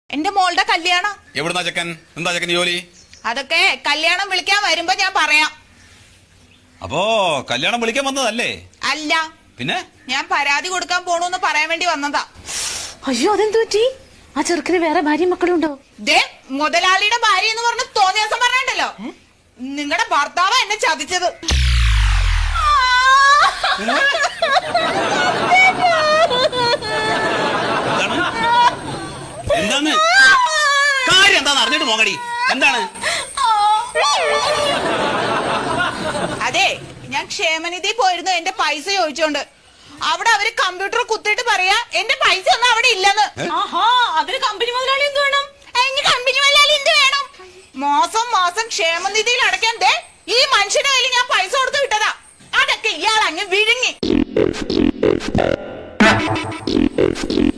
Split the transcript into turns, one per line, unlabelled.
എന്റെ മോളുടെ കല്യാണം.
എവിടുന്നാ ചെക്കൻ? എന്താ ചെക്കൻ ജോലി?
അതൊക്കെ കല്യാണം വിളിക്കാൻ വരുമ്പോ ഞാൻ പറയാം.
അപ്പോ കല്യാണം വിളിക്കാൻ വന്നതല്ലേ?
അല്ല,
പിന്നെ
ഞാൻ പരാതി കൊടുക്കാൻ പോണൂന്ന് പറയാൻ വേണ്ടി വന്നതാ.
അയ്യോ, അതെന്തു പറ്റി? ആ ചെറുക്കിന് വേറെ ഭാര്യയും മക്കളുണ്ടോ?
ദേ, മുതലാളിയുടെ ഭാര്യ എന്ന് പറഞ്ഞ് തോന്നിയ ദിവസം പറഞ്ഞല്ലോ, നിങ്ങളുടെ ഭർത്താവ് എന്നെ ചതിച്ചത്.
എന്താണ് കാര്യം? എന്താന്ന് അറിഞ്ഞിട്ട് പോകടി. എന്താണ്?
അതെ, ഞാൻ ക്ഷേമനിധി പോയിരുന്നു എന്റെ പൈസ ചോദിച്ചോണ്ട്. അവിടെ അവര് കമ്പ്യൂട്ടർ കുത്തിയിട്ട് പറയാ എന്റെ പൈസ ഒന്നും അവിടെ ഇല്ലെന്ന്.
അതിന് കമ്പനി മുതലാളി എന്ത് വേണം?
കമ്പനി മുതലാളി എന്ത് വേണം? മാസം മാസം ക്ഷേമനിധിയിൽ അടയ്ക്കാൻ ദേ ഈ മനുഷ്യന്റെ കയ്യിൽ ഞാൻ പൈസ കൊടുത്ത് വിട്ടതാ. അതൊക്കെ ഇയാൾ അങ്ങ് വിഴുങ്ങി.